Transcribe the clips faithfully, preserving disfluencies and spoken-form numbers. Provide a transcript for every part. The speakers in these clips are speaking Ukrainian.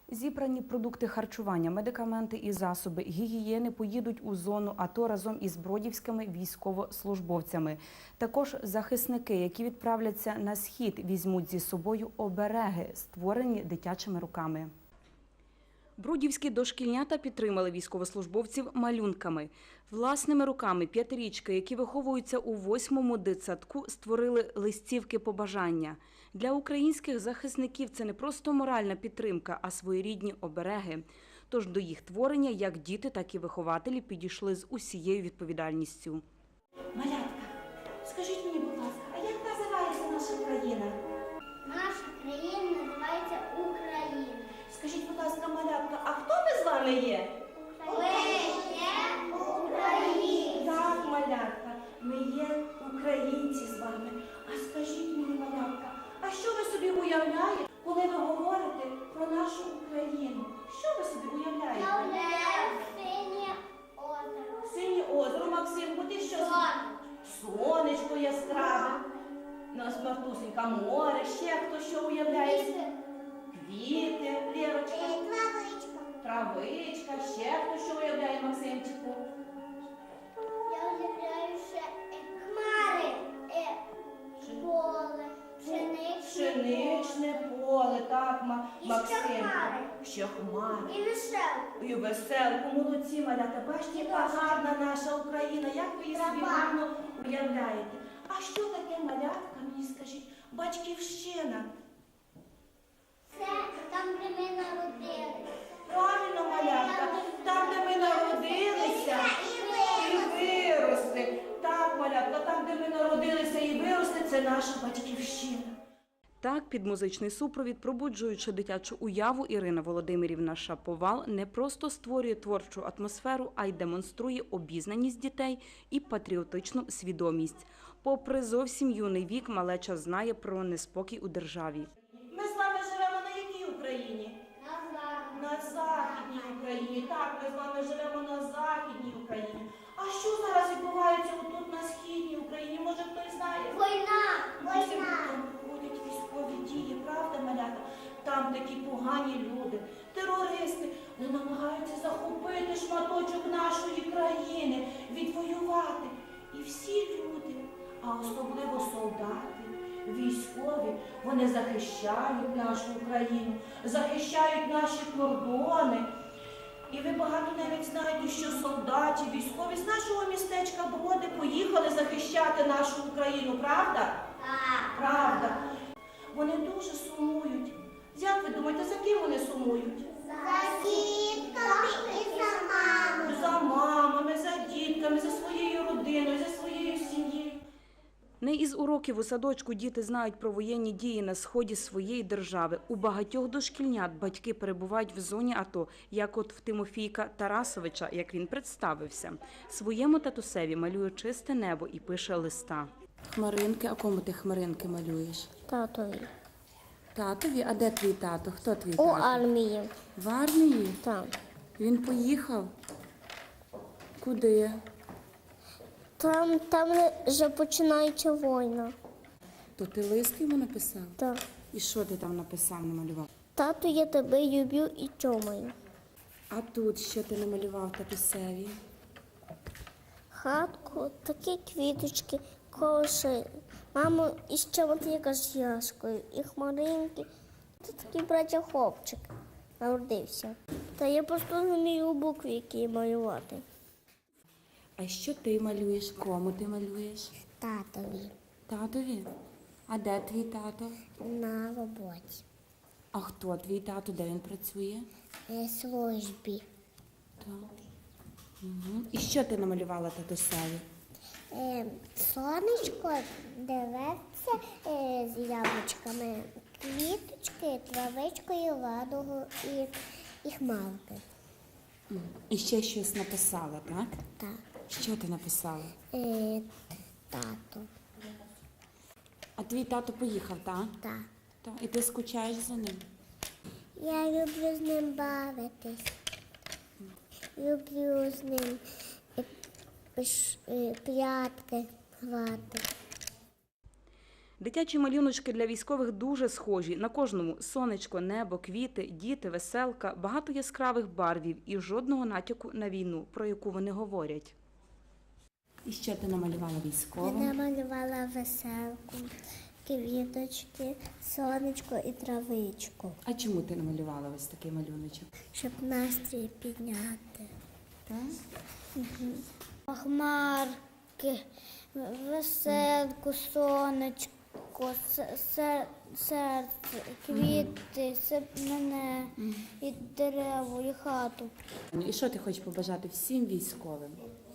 Зібрані продукти харчування, медикаменти і засоби гігієни поїдуть у зону АТО разом із бродівськими військовослужбовцями. Також захисники, які відправляться на схід, візьмуть зі собою обереги, створені дитячими руками. Бродівські дошкільнята підтримали військовослужбовців малюнками. Власними руками п'ятирічки, які виховуються у восьмому дитсадку, створили листівки побажання. Для українських захисників це не просто моральна підтримка, а своєрідні обереги. Тож до їх творення як діти, так і вихователі підійшли з усією відповідальністю. Малятка, скажіть мені, будь ласка, а як називається наша країна? Наша країна називається Україна. Скажіть, будь ласка, малятка, а хто ми з вами є? Ми є Україна. Так, малятка, ми є українці з вами. А скажіть мені, малятка, а що ви собі уявляєте, коли ви говорите про нашу Україну? Що ви собі уявляєте? Я уявляю синє озеро. Синє озеро, Максимку, ти що? Сонечко. Сонечко яскраве. Нас Мартусенька, море, ще хто що уявляє? Квіти, Лєрочка. Травичка. Травичка, ще хто що уявляє, Максимчику? Я уявляю ще е, хмари, е, поле, пшеничне Пшеничне поле, так, Ма- І ще Максим. хмари. Ще хмари. і веселку. І веселку, молодці, малята. Бачите, яка гарна наша Україна, як ви її собі Трава. гарно уявляєте. А що таке, малятка, мені скажіть, батьківщина? Це там, де ми народилися. Правильно, малятка, там, де ми народилися і виросли. Так, малятка, там, де ми народилися і виросли, це наша батьківщина. Так, під музичний супровід, пробуджуючи дитячу уяву, Ірина Володимирівна Шаповал не просто створює творчу атмосферу, а й демонструє обізнаність дітей і патріотичну свідомість. Попри зовсім юний вік, малеча знає про неспокій у державі. Ми з вами живемо на якій Україні? Назад. На Західній Україні. Так, ми з вами живемо на Західній Україні. А що зараз відбувається отут на Східній Україні? Може, хтось знає? Війна, Усім війна. там проходять військові дії, правда, малята? Там такі погані люди, терористи, вони намагаються захопити шматочок нашої країни, відвоювати. І всі люди, а особливо солдати, військові, вони захищають нашу Україну, захищають наші кордони. І ви багато навіть знаєте, що солдаті, військові з нашого містечка Броди поїхали захищати нашу Україну, правда? Так. Правда. Вони дуже сумують. Як ви думаєте, за ким вони сумують? За дітками і за мамою. За мамами, за дітками, за своєю родиною, за своєю сім'єю. Не із уроків у садочку діти знають про воєнні дії на сході своєї держави. У багатьох дошкільнят батьки перебувають в зоні АТО, як от в Тимофійка Тарасовича, як він представився. Своєму татусеві малює чисте небо і пише листа. Хмаринки, а кому ти хмаринки малюєш? Татові. Татові? А де твій тато? Хто твій У тато? армії. В армії? Там. Він поїхав? Куди? Там, там вже починається війна. То ти лист йому написав? Так. І що ти там написав, намалював? Тату, я тебе люблю і чомаю. А тут що ти намалював татусеві? Хатку, такі квіточки, коші. Мамо, і ще от яка з яшкою, і хмаринки. Це такий братя хлопчик народився. Та я просто не вмію букви, які малювати. А що ти малюєш? Кому ти малюєш? Татові Татові? А де твій тато? на роботі, А хто твій тато? Де він працює? на службі. Так. Угу. І що ти намалювала татусеві? Е, сонечко дивиться е, з яблучками, квіточки, травичкою, ладогу і, і хмарки. Мгм. І ще щось написала, так? Так. Що ти написала? Е, тато. А твій тато поїхав, так? Так. Так. І ти скучаєш за ним? Я люблю з ним бавитись. Люблю з ним е, пиш- е, прятки грати. Дитячі малюночки для військових дуже схожі. На кожному сонечко, небо, квіти, діти, веселка, багато яскравих барвів і жодного натяку на війну, про яку вони говорять. І що ти намалювала Я військовим? намалювала веселку, квіточки, сонечко і травичку, А чому ти намалювала ось такий малюночок? щоб настрій підняти. Так? Хмарки, веселку, сонечко, се- се- серце, квіти, се- мене, і дерево, і хату. І що ти хочеш побажати всім військовим?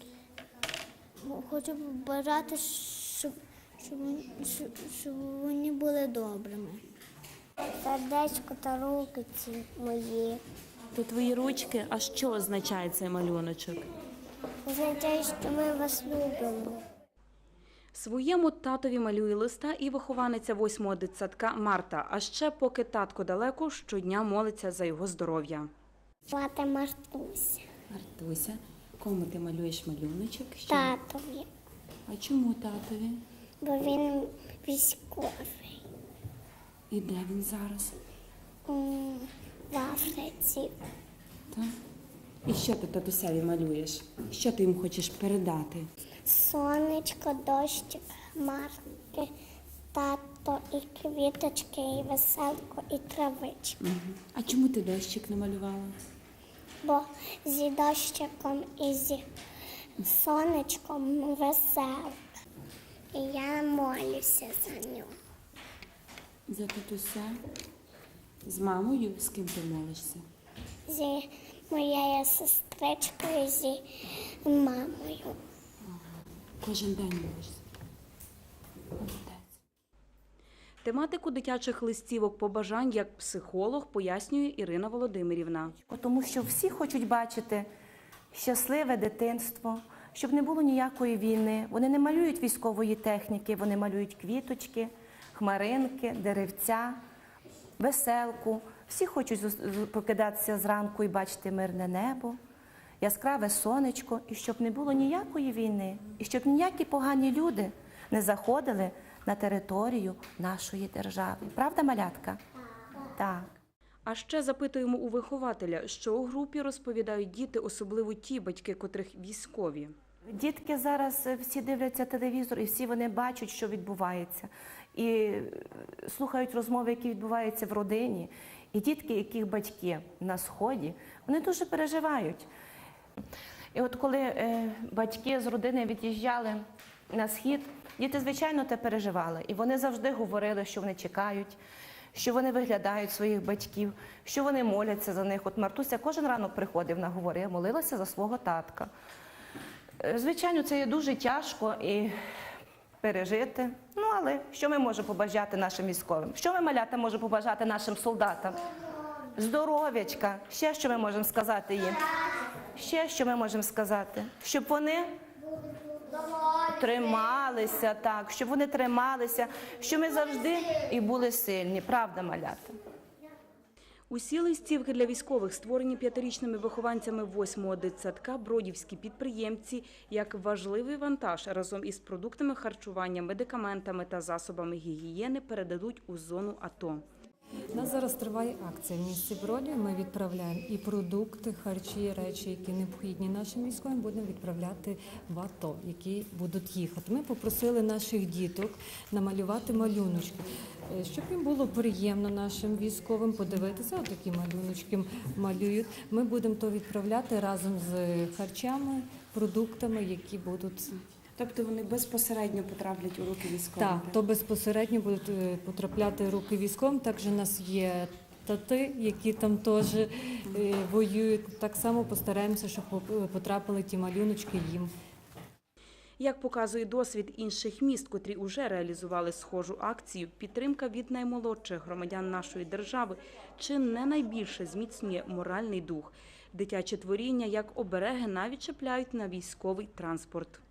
Хочу побажати, щоб, щоб, щоб, щоб вони були добрими. Сердечко та руки ці мої. То твої ручки, а що означає цей малюночок? Означає, що ми вас любимо. Своєму татові малює листа і вихованиця восьмого дитсадка Марта. А ще, поки татко далеко, щодня молиться за його здоров'я. Звати Мартуся. Мартуся, кому ти малюєш малюночок? Що? Татові, А чому татові? бо він військовий. І де він зараз? М, В Африці. Так? І що ти татусеві малюєш? Що ти їм хочеш передати? Сонечко, дощик, хмарки, тато, і квіточки, і веселку, і травичку. Угу. А чому ти дощик намалювала? Бо зі дощиком і зі сонечком веселка. І я молюся за нього. За татуся? З мамою? З ким ти молишся? Зі моєю сестричкою, зі мамою. Кожен день молишся. Молодець. Тематику дитячих листівок побажань як психолог пояснює Ірина Володимирівна. Тому що всі хочуть бачити щасливе дитинство, щоб не було ніякої війни. Вони не малюють військової техніки, вони малюють квіточки, хмаринки, деревця, веселку. Всі хочуть покидатися зранку і бачити мирне небо, яскраве сонечко, і щоб не було ніякої війни, і щоб ніякі погані люди не заходили на територію нашої держави. Правда, малятка? Так. А ще запитуємо у вихователя, що у групі розповідають діти, особливо ті батьки, котрих військові. Дітки зараз всі дивляться телевізор і всі вони бачать, що відбувається. І слухають розмови, які відбуваються в родині. І дітки, яких батьки на Сході, вони дуже переживають. І от коли е, батьки з родини від'їжджали на Схід, діти, звичайно, те переживали. І вони завжди говорили, що вони чекають, що вони виглядають своїх батьків, що вони моляться за них. От Мартуся кожен ранок приходив на говори, я молилася за свого татка. Е, Звичайно, це є дуже тяжко і пережити. Ну, але що ми можемо побажати нашим військовим? Що ми, малята, можемо побажати нашим солдатам? Здоров'ячка. Ще що ми можемо сказати їм? Ще що ми можемо сказати? Щоб вони трималися, так, щоб вони трималися, щоб ми завжди і були сильні. Правда, малята? Усі листівки для військових створені п'ятирічними вихованцями восьмого дитсадка бродівські підприємці як важливий вантаж разом із продуктами харчування, медикаментами та засобами гігієни передадуть у зону АТО. У нас зараз триває акція в місті Бродів. Ми відправляємо і продукти, харчі, речі, які необхідні нашим військовим, будемо відправляти в АТО, які будуть їхати. Ми попросили наших діток намалювати малюночки, щоб їм було приємно нашим військовим подивитися, отакі малюночки малюють. Ми будемо то відправляти разом з харчами, продуктами, які будуть. Тобто вони безпосередньо потраплять у руки військових? Так, то безпосередньо будуть е, потрапляти в руки військовим. Також у нас є тати, які там теж е, воюють. Так само постараємося, щоб потрапили ті малюночки їм. Як показує досвід інших міст, котрі уже реалізували схожу акцію, підтримка від наймолодших громадян нашої держави чи не найбільше зміцнює моральний дух. Дитячі творіння, як обереги, навіть чіпляють на військовий транспорт.